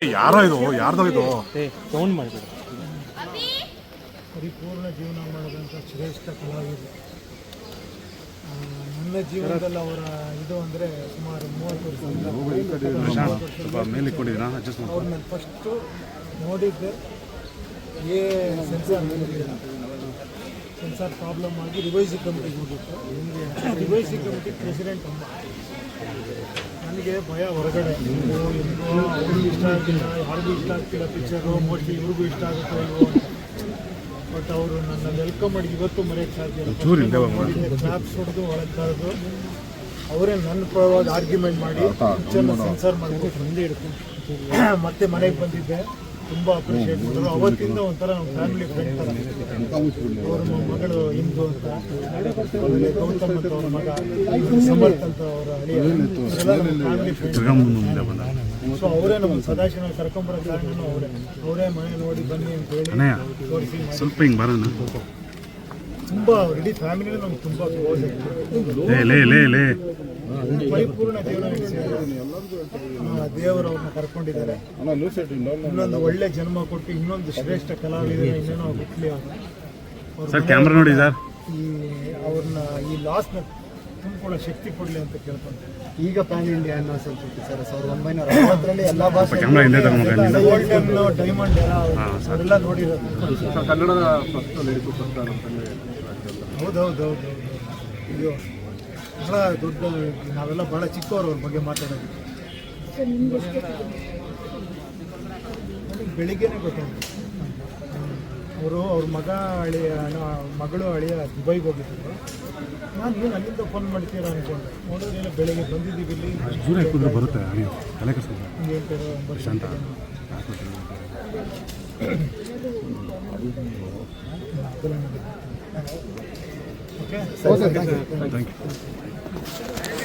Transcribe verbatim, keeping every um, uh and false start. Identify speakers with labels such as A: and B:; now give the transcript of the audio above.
A: ಯಾರೋ ಇದು ಯಾರ್ದೋ ಇದು
B: ಸೌಂಡ್ ಮಾಡಬೇಡ.
C: ಪರಿಪೂರ್ಣ ಜೀವನ ಮಾಡಿದಂಥ ಶ್ರೇಷ್ಠ ಕಲಾವಿದರು. ನನ್ನ ಜೀವನದಲ್ಲಿ ಅವರ ಇದು ಅಂದರೆ ಸುಮಾರು ಮೂವತ್ತು ವರ್ಷದಿಂದ ಅವ್ರು ನಾನು ಫಸ್ಟು ನೋಡಿದ್ದೆ ಏ ಸೆನ್ಸಾರ್ ಸೆನ್ಸಾರ್ ಪ್ರಾಬ್ಲಮ್ ಆಗಿ ರಿವೈಸಿ ಕಮಿಟಿಗೆ ಹೋಗಿತ್ತು. ರಿವೈಸಿ ಕಮಿಟಿ ಪ್ರೆಸಿಡೆಂಟ್ ಅಮ್ಮ. ನನಗೆ ಭಯ ಹೊರಗಡೆ ಹೆಂಗೋ ಹೆಂಗೋ ಅವ್ರಿಗೂ ಇಷ್ಟ ಆಗಿಲ್ಲ, ಯಾರಿಗೂ ಇಷ್ಟ ಆಗ್ತಿಲ್ಲ ಪಿಕ್ಚರು, ಮೋಸ್ಟ್ಲಿ ಇವ್ರಿಗೂ ಇಷ್ಟ ಆಗುತ್ತೋ ಇಲ್ವೋ ಅಂತ. ಬಟ್ ಅವರು ನನ್ನ ವೆಲ್ಕಮ್ ಮಾಡಿ ಇವತ್ತು ಮರೆಯೋಕ್ಕೆ ಸಾಧ್ಯ ಇಲ್ಲ. ಕ್ಲಾಪ್ಸ್ ಹೊಡೆದು ಒಳಗೆ ಕರೆದು ಅವರೇ ನನ್ನ ಪರವಾಗಿ ಆರ್ಗ್ಯುಮೆಂಟ್ ಮಾಡಿ ಪಿಕ್ಚರ್ನ ಸೆನ್ಸರ್ ಮಾಡಿಬಿಟ್ಟು ಮುಂದೆ ಹಿಡ್ಕೊಂಡು ಮತ್ತೆ ಮನೆಗೆ ಬಂದಿದ್ದೆ. ತುಂಬ ಅಪ್ರಿಷಿಯೇಟ್ ಮಾಡಿದ್ರು. ಅವತ್ತಿಂದ ಒಂಥರ ನಮ್ಮ ಫ್ಯಾಮಿಲಿ ಫ್ರೆಂಡ್ ಥರ. ಅವ್ರ ಮಗಳು ಇಂದು ಅಂತ, ಆಮೇಲೆ ಗೌತಮ್ ಅಂತ ಅವ್ರ ಮಗ, ಸಮರ್ಥ ಅಂತ ಅವರ ಅಳಿಯ, ಫ್ಯಾಮಿಲಿ ಫ್ರೆಂಡ್. ಸೊ ಅವರೇ ನಮ್ಮ ಸದಾಶಿವನ ಕರ್ಕೊಂಬರೋ ಕಾರಣನೂ ಅವರೇ ಅವರೇ ಮನೆ ನೋಡಿ ಬನ್ನಿ ಅಂತ ಹೇಳಿ ತೋರಿಸಿ ಸ್ವಲ್ಪ ಹಿಂಗೆ ಬರೋಣ. ತುಂಬ ಇಡೀ ಫ್ಯಾಮಿಲಿ ನಮ್ಗೆ ತುಂಬ ಕ್ಲೋಸ್ ಆಗ್ತದೆ. ಪರಿಪೂರ್ಣ ಜೀವನ ದೇವರು ಅವ್ರನ್ನ ಕರ್ಕೊಂಡಿದ್ದಾರೆ. ಇನ್ನೊಂದು ಒಳ್ಳೆ ಜನ್ಮ ಕೊಟ್ಟು ಇನ್ನೊಂದು ಶ್ರೇಷ್ಠ ಕಲಾವಿದರು ಇನ್ನೇನೋ ಹುಟ್ಟಲಿ ಅವರು ಕ್ಯಾಮ್ರಾ ನೋಡಿ ಸರ್. ಈ ಅವ್ರನ್ನ ಈ ಲಾಸ್ನ ತುಂಬಿಕೊಳ್ಳೋ ಶಕ್ತಿ ಕೊಡಲಿ ಅಂತ ಕೇಳ್ಕೊಂತಾರೆ.
B: ಈಗ ಪ್ಯಾನ್ ಇಂಡಿಯಾ ಅನ್ನೋ ಸಂಸ್ಕೃತಿ ಸರ್ ಸಾವಿರದ ಒಂಬೈನೂರ ಅರವತ್ತರಲ್ಲಿ ಎಲ್ಲ ಭಾಷೆ
C: ಡೈಮಂಡ್ ಅವರೆಲ್ಲ ನೋಡಿರೋದು.
B: ಕನ್ನಡದ
C: ಹೌದೌದೌದು. ಅಯ್ಯೋ ಬಹಳ ದೊಡ್ಡ, ನಾವೆಲ್ಲ ಬಹಳ ಚಿಕ್ಕವರು ಅವ್ರ ಬಗ್ಗೆ ಮಾತಾಡೋದು. ಬೆಳಿಗ್ಗೆನೇ ಗೊತ್ತಾಯ್ತು. ಅವರು ಅವ್ರ ಮಗ ಅಳಿಯ ಮಗಳು ಅಳಿಯ ದುಬೈಗೆ ಹೋಗಿದ್ರು. ನಾನು ಏನು ಅಲ್ಲಿಂದ ಫೋನ್ ಮಾಡ್ತೀರಾ ಅಂದ್ಕೊಂಡೆ. ನೋಡೋದೇನೋ ಬೆಳಿಗ್ಗೆ ಬಂದಿದ್ದೀವಿ ಇಲ್ಲಿ
A: ಬರುತ್ತೆ
C: ಹೇಳ್ತಾರೆ ಒಂಬತ್ತು ಓಕೆ.
A: Thank you.